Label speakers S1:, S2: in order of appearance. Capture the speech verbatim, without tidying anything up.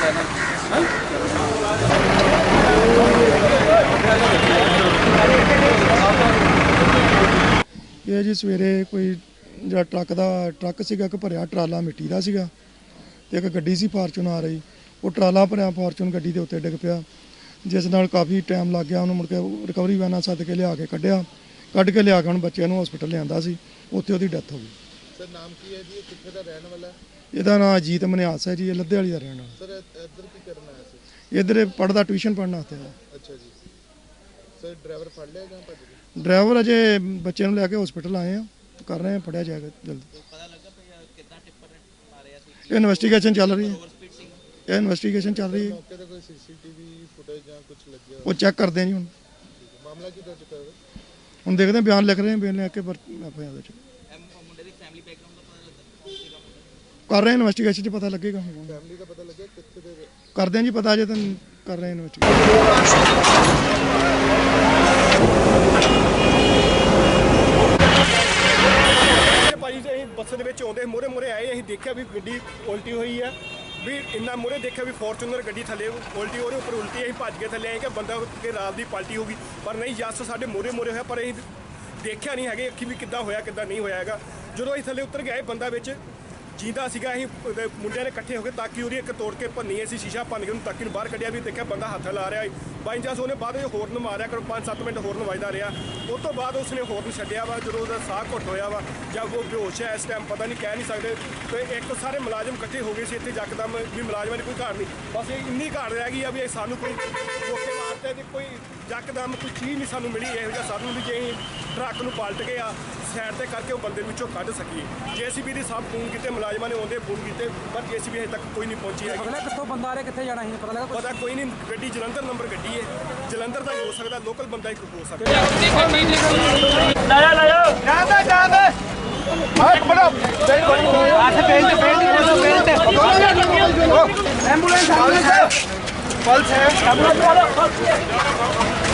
S1: ये जी सवेरे कोई जो ट्रक का ट्रक सीगा एक भरिया ट्राला मिट्टी का सीगा ते एक गड्डी सी फार्चून आ रही वो ट्राला भरिया फार्चून गड्डी के उत्ते डिग पिया जिस नाल काफ़ी टाइम लग गया उन्होंने मुड़ के रिकवरी वैन सद के लिया के कढ़िया कढ़ के लिया के हम बच्चे हॉस्पिटल लिया सी उत्थे उसदी डैथ हो गई।
S2: सर नाम की है जी कित्थे दा रहने वाला?
S1: ਇਹਦਾ नाम अजीत मनियास है जी, लद्दे वाली का रहने वाला।
S2: सर इधर की करना है सर?
S1: इधर पढ़ता ट्यूशन पढ़ना आते हैं।
S2: अच्छा जी। सर ड्राइवर फड़ लिया जां भज गया?
S1: ड्राइवर अजे बच्चे ਨੂੰ ਲੈ ਕੇ हॉस्पिटल आए हैं, कर रहे हैं, पढ़िया जाएगा जल्दी।
S3: पता लगा कितना टिप्पर मारे सी?
S1: इन्वेस्टिगेशन चल रही है, ये इन्वेस्टिगेशन चल रही है।
S2: मौके पे कोई सीसीटीवी फुटेज या कुछ लग गया?
S1: वो चेक करते हैं जी, हम
S2: मामला की दर्ज कर
S1: हम देखते हैं, बयान लिख रहे हैं, बयान लिख के कर रहे हैं इन्वेस्टिगेशन च पता लगेगा।
S2: फैमिली का पता लगे कितने दे
S1: कर दें जी पता, अजे तो कर रहे हैं इन्वेस्टिगेशन।
S4: भाई ਅਸੀਂ ਬੱਸ ਦੇ ਵਿੱਚ ਆਉਂਦੇ ਮੋਰੇ ਮੋਰੇ ਆਏ, ਅਸੀਂ ਦੇਖਿਆ ਵੀ ਗੱਡੀ ਉਲਟੀ ਹੋਈ ਹੈ, ਵੀ ਇੰਨਾ ਮੋਰੇ ਦੇਖਿਆ ਵੀ ਫੋਰਚੂਨਰ ਗੱਡੀ ਥੱਲੇ ਉਲਟੀ ਉਹਦੇ ਉੱਪਰ ਉਲਟੀ, ਅਸੀਂ ਭੱਜ ਕੇ ਥੱਲੇ ਆਏ ਕਿ ਬੰਦਾ ਕਿ ਰਾਤ ਦੀ ਪਲਟੀ ਹੋ ਗਈ, ਪਰ ਨਹੀਂ ਜੱਸ ਸਾਡੇ ਮੋਰੇ ਮੋਰੇ ਹੋਇਆ, ਪਰ ਅਸੀਂ ਦੇਖਿਆ ਨਹੀਂ ਹੈਗੇ ਅੱਖੀ ਵੀ ਕਿੱਦਾਂ ਹੋਇਆ ਕਿੱਦਾਂ ਨਹੀਂ ਹੋਇਆ ਹੈਗਾ। ਜਦੋਂ ਅਸੀਂ ਥੱਲੇ ਉਤਰ ਗਏ ਬੰਦਾ ਵਿੱਚ ਜਿੰਦਾ ਸੀਗਾ, ਅਸੀਂ ਮੁੰਡਿਆਂ ਨੇ ਇਕੱਠੇ ਹੋ ਕੇ ਤਾਕੀ ਉਹਦੀ ਇੱਕ ਤੋੜ ਕੇ ਭੰਨੀ, ਅਸੀਂ ਸ਼ੀਸ਼ਾ ਭੰਨ ਕੇ ਉਹਨੂੰ ਤਾਕੀ ਨੂੰ ਬਾਹਰ ਕੱਢਿਆ, ਵੀ ਦੇਖਿਆ ਬੰਦਾ ਹੱਥ ਲਾ ਰਿਹਾ। ਬਾਈ ਚਾਂਸ ਉਹਨੇ ਬਾਅਦ ਵਿੱਚ ਹੋਰਨ ਮਾਰਿਆ ਕਰੋ, ਪੰਜ ਸੱਤ ਮਿੰਟ ਹੋਰਨ ਵੱਜਦਾ ਰਿਹਾ, ਉਸ ਤੋਂ ਬਾਅਦ ਉਸਨੇ ਹੋਰਨ ਛੱਡਿਆ ਵਾ। ਜਦੋਂ ਉਹਦਾ ਸਾਹ ਘੁੱਟ ਹੋਇਆ ਵਾ ਜਾਂ ਉਹ ਬੇਹੋਸ਼ ਹੈ ਇਸ ਟਾਈਮ ਪਤਾ ਨਹੀਂ, ਕਹਿ ਨਹੀਂ ਸਕਦੇ। ਤੇ ਇੱਕ ਸਾਰੇ ਮੁਲਾਜ਼ਮ ਇਕੱਠੇ ਹੋ ਗਏ ਸੀ ਇੱਥੇ ਯਕਦਮ, ਵੀ ਮੁਲਾਜ਼ਮਾਂ ਦੀ ਕੋਈ ਘਾਟ ਨਹੀਂ, ਬਸ ਇਹ ਇੰਨੀ ਘਾਟ ਰਹਿ ਗਈ ਆ ਵੀ ਸਾਨੂੰ ਕੋਈ ਰੋਕੇ ਮਾਰਤੇ ਤੇ ਕੋਈ ਯਕਦਮ ਕੋਈ ਚੀਜ਼ ਨਹੀਂ ਸਾਨੂੰ ਮਿਲੀ ਇਹੋ ਜਿਹਾ ਸਾਨੂੰ, ਵੀ ਜੇ ਅਸੀਂ ਟਰੱਕ ਨੂੰ ਪਲਟ ਗਏ ਆ ਸਾਈਡ ਤੇ ਕਰਕੇ ਉਹ ਬੰਦੇ ਵਿੱਚੋਂ ਕੱਢ ਸਕੀਏ। ਜੇਸੀਬੀ ਦੀ ਸਭ ਫੋਨ ਕੀਤੇ, ਮੁਲਾਜ਼ਮਾਂ ਨੇ ਆਉਂਦੇ ਫੋਨ ਕੀਤੇ, ਪਰ ਜੇਸੀਬੀ ਹਜੇ ਤੱਕ ਕੋਈ ਨਹੀਂ ਪਹੁੰਚੀ ਹੈਗੀ।
S5: ਪਤਾ ਕਿੱਥੋਂ ਬੰਦਾ ਆ ਰਿਹਾ, ਕਿੱਥੇ ਜਾਣਾ ਸੀ ਪਤਾ ਲੱਗਾ?
S4: ਪਤਾ ਕੋਈ ਨਹੀਂ, ਗੱਡੀ ਜਲੰਧਰ ਨੰਬਰ ਗੱਡੀ ਹੈ, ਜਲੰਧਰ ਦਾ ਹੀ ਹੋ ਸਕਦਾ, ਲੋਕਲ ਬੰਦਾ ਹੀ ਹੋ ਸਕਦਾ।
S5: ਲਾਇਆ ਲਾਇਆ ਜਾਂਦਾ ਜਾਂਦਾ ਆਹ ਬੜਾ ਆਥੇ ਬੇਲ ਤੇ ਬੇਲ ਤੇ ਬੇਲ ਤੇ ਐਂਬੂਲੈਂਸ ਪਲਸ ਹੈ ਐਂਬੂਲੈਂਸ ਵਾਲਾ